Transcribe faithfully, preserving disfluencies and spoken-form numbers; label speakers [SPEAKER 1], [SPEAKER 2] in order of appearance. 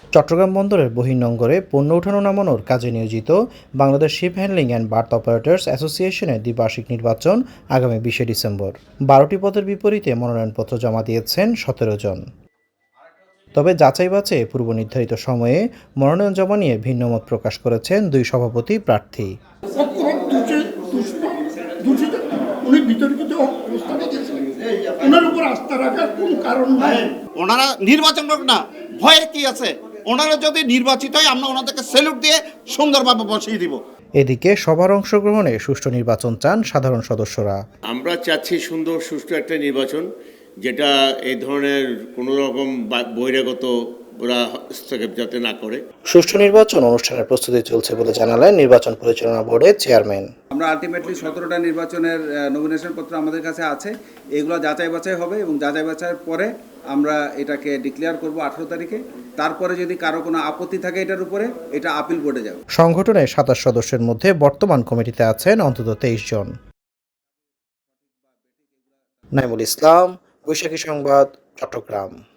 [SPEAKER 1] চট্টগ্রাম বন্দরের বহির্নোঙরে পণ্য ওঠানো নামানোর কাজে নিয়োজিত Bangladesh ship handling and berth operators অ্যাসোসিয়েশনের দ্বিবার্ষিক নির্বাচন আগামী বিশে ডিসেম্বর। বারোটি পদের বিপরীতে মনোনয়নপত্র জমা দিয়েছেন সতেরো জন। তবে যাচাই বাছাইয়ে পূর্ব নির্ধারিত সময়ে মনোনয়ন জমা নিয়ে ভিন্নমত প্রকাশ করেছেন দুই সভাপতি প্রার্থী।
[SPEAKER 2] ওনারা নির্বাচন করুক না, ভয়ের কি আছে? ওনারা যদি নির্বাচিত হয় আমরা ওনাদেরকে স্যালুট দিয়ে সুন্দরভাবে বসিয়ে দিব।
[SPEAKER 1] এদিকে সবার অংশগ্রহণে সুষ্ঠু নির্বাচন চান সাধারণ সদস্যরা।
[SPEAKER 3] আমরা চাচ্ছি সুন্দর সুষ্ঠু একটা নির্বাচন, যেটা এই ধরনের কোনো রকম বহিরাগত ওরা হস্তক্ষেপ যাতে না করে।
[SPEAKER 1] সুষ্ঠু নির্বাচন অনুষ্ঠানের প্রস্তুতি চলছে বলে জানালেন নির্বাচন পরিচালনা বোর্ডের চেয়ারম্যান।
[SPEAKER 4] আমরা আলটিমেটলি সতেরোটা নির্বাচনের নমিনেশন পত্র আমাদের কাছে আছে, এগুলো যাচাই বাছাই হবে এবং যাচাই বাছাইয়ের পরে আমরা এটাকে ডিক্লেয়ার করব আঠারো তারিখে। তারপরে যদি কারো কোনো আপত্তি থাকে এটার উপরে, এটা আপিল বোর্ডে যাবে।
[SPEAKER 1] সংগঠনের সাতাশ সদস্যের মধ্যে বর্তমান কমিটিতে আছেন অন্তত তেইশ জন। নাইমুল ইসলাম, বৈশাখী সংবাদ, চট্টগ্রাম।